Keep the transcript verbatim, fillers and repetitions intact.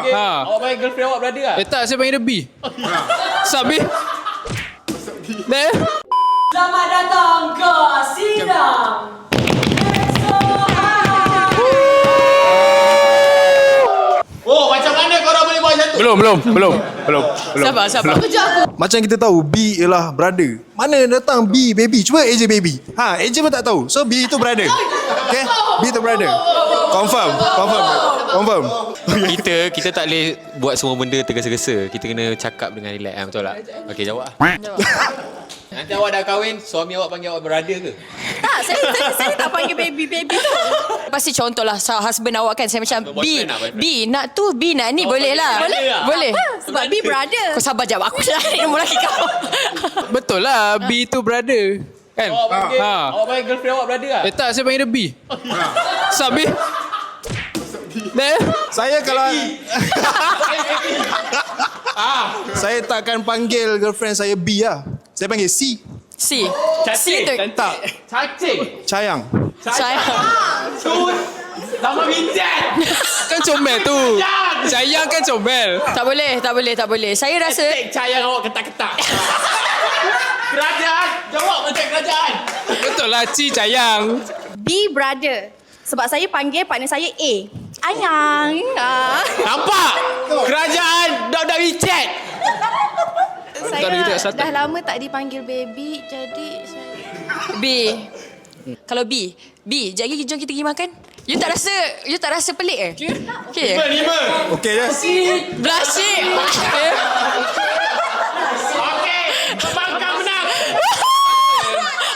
panggil, Ha. awak panggil girlfriend awak brother lah? Eh tak, saya panggil dia B. Sabi. Dah. Selamat datang ke sidang. Oh, macam mana korang boleh buat macam tu? Belum, belum, belum, belum, belum. Sabar, sabar. Kejap aku. Macam kita tahu B ialah brother. Mana datang B baby? Cuba A J baby. Ha, A J pun tak tahu. So B itu brother. Okay? B itu brother. Confirm, confirm, confirm. Kita kita tak boleh buat semua benda tergesa-gesa. Kita kena cakap dengan relax. Ha, betul tak? Okey, jawab lah. Nanti awak dah kahwin, suami awak panggil awak brother ke? Tak, saya, saya, saya tak panggil baby-baby tu. Pasti contohlah husband awak kan, saya macam B, Boyfriend lah, boyfriend. B nak tu, B nak ni, Oh, boleh boleh, lah. boleh lah. Boleh. Sebab B brother. Kau sabar jawab, aku cari nombor lagi kau. Betul lah, B tu brother. Kan? Awak panggil, Ha. awak panggil girlfriend awak brother lah? Eh tak, saya panggil dia B. Sabi. Dah. Saya kalau saya takkan panggil girlfriend saya B lah. Saya panggil C. C. C tu. Tak, Cacing. Cayang. Saya. Tun. Nama bincang. Kan comel tu. Sayang kan comel. Tak boleh, tak boleh, tak boleh. Saya rasa Hashtag cayang awak ketak-ketak. Kerajaan. Jawab macam kerajaan. Betul lah, Ci sayang. B brother. Sebab saya panggil partner saya A. Ayang. Ah. Nampak? Kerajaan. Dah-dah WeChat. Saya kita kat Selatan. dah lama tak dipanggil baby, jadi saya... B. Kalau B, B, jap lagi jom kita pergi makan. You tak rasa, you tak rasa pelik ke? Okay. Okay. Lima. Okey je. Blushing. Okay.